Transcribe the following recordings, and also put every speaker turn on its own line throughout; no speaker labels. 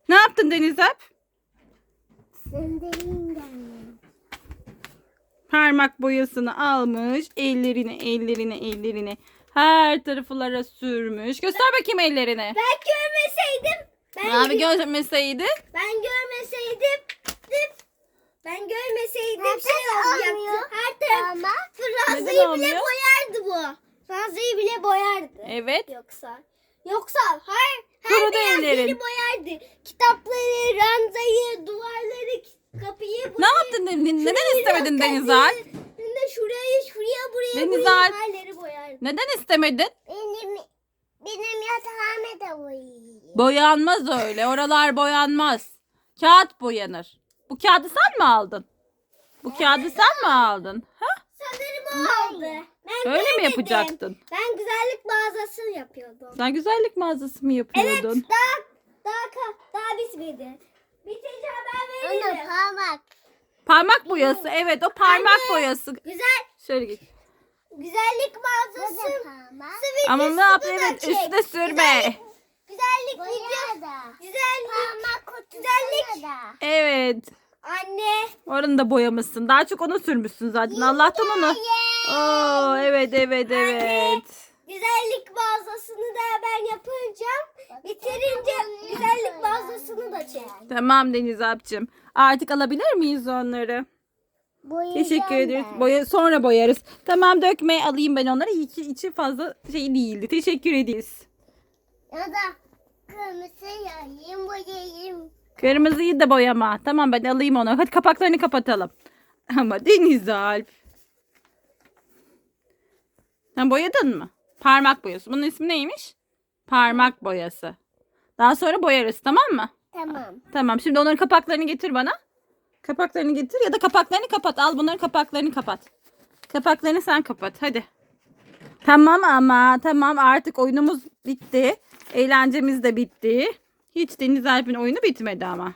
Ne yaptın Deniz Alp? Parmak boyasını almış. Ellerine her taraflara sürmüş. Göster bakayım ellerini.
Ben görmeseydim.
Abi görmeseydi.
Ben görmeseydim. Ben görmeseydim şey olacaktı. Her taraf Fransa'yı
Neden
bile
olmuyor?
boyardı bu. Fransa'yı bile boyardı.
Evet.
Yoksa hayır. Her
Kurudu
beyaz
ellerin.
yeri boyardı. Kitapları, ranzayı, duvarları, kapıyı.
Ne yaptın? Neden istemedin Deniz Alp?
Şuraya buraya
Deniz
buraya
Alp.
her yeri boyardı.
Neden istemedin?
Benim yatağımı da boyayayım.
Boyanmaz öyle. Oralar boyanmaz. Kağıt boyanır. Bu kağıdı sen mi aldın? Bu kağıdı sen mi aldın? Ha?
Sanırım o oldu. Ben
Öyle mi
görmedim.
yapacaktın?
Ben güzellik mağazası yapıyordum.
Sen güzellik mağazası mı
Evet,
yapıyordun?
daha bitmedi. Bitince haber veririm.
Parmak boyası. Evet, o parmak
Anne.
boyası. Şöyle git.
Güzellik mağazası.
Ama ne yap? Evet, üstüne sürme.
Güzellik videosu. Güzellik.
Evet.
Anne.
Oranı da boyamışsın. Daha çok onu sürmüşsün zaten. Allah'tan onu. Oo, evet.
Güzellik mağazasını da ben yapacağım. Bitirince güzellik mağazasını da çek.
Tamam Deniz Alp'cığım. Artık alabilir miyiz onları? Teşekkür ederiz. Sonra boyarız. Tamam, dökme, alayım ben onları. İyi ki içi fazla şey değildi. Teşekkür ederiz.
Ya da kırmızı boyayayım.
Kırmızıyı da boyama. Tamam, ben alayım onu. Hadi kapaklarını kapatalım. Ama Deniz Alp. Sen boyadın mı? Parmak boyası. Bunun ismi neymiş? Parmak boyası. Daha sonra boyarız, tamam mı?
Tamam.
Tamam. Şimdi onların kapaklarını getir bana. Kapaklarını getir ya da kapaklarını kapat. Al, bunların kapaklarını kapat. Kapaklarını sen kapat. Hadi. Tamam artık oyunumuz bitti. Eğlencemiz de bitti. Hiç Deniz Alp'in oyunu bitmedi ama.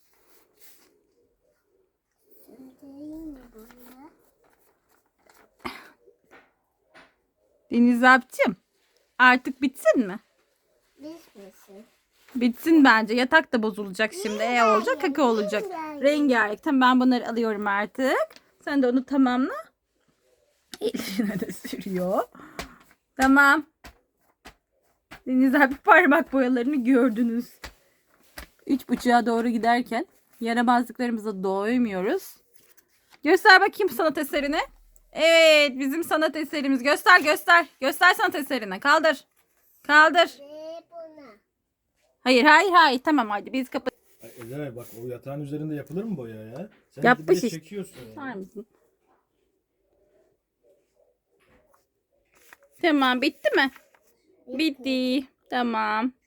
Deniz Alp'cığım, artık bitsin mi? Bitsin bence. Yatak da bozulacak şimdi. Olacak, kaka olacak. Rengarenk. Tamam, ben bunları alıyorum artık. Sen de onu tamamla. Eline de sürüyor. Tamam. Deniz abi, parmak boyalarını gördünüz. 3.30'a doğru giderken yaramazlıklarımıza doymuyoruz. Göster bakayım sanat eserini. Evet, bizim sanat eserimiz. Göster. Göster sanat eserini. Kaldır. Hayır. Tamam, hadi biz kapat.
Ezel bak, o yatağın üzerinde yapılır mı boya ya? Sen
Yapmış
bir de
işte.
çekiyorsun
Var
ya.
mısın? Tamam, bitti mi? Bitti. Tamam.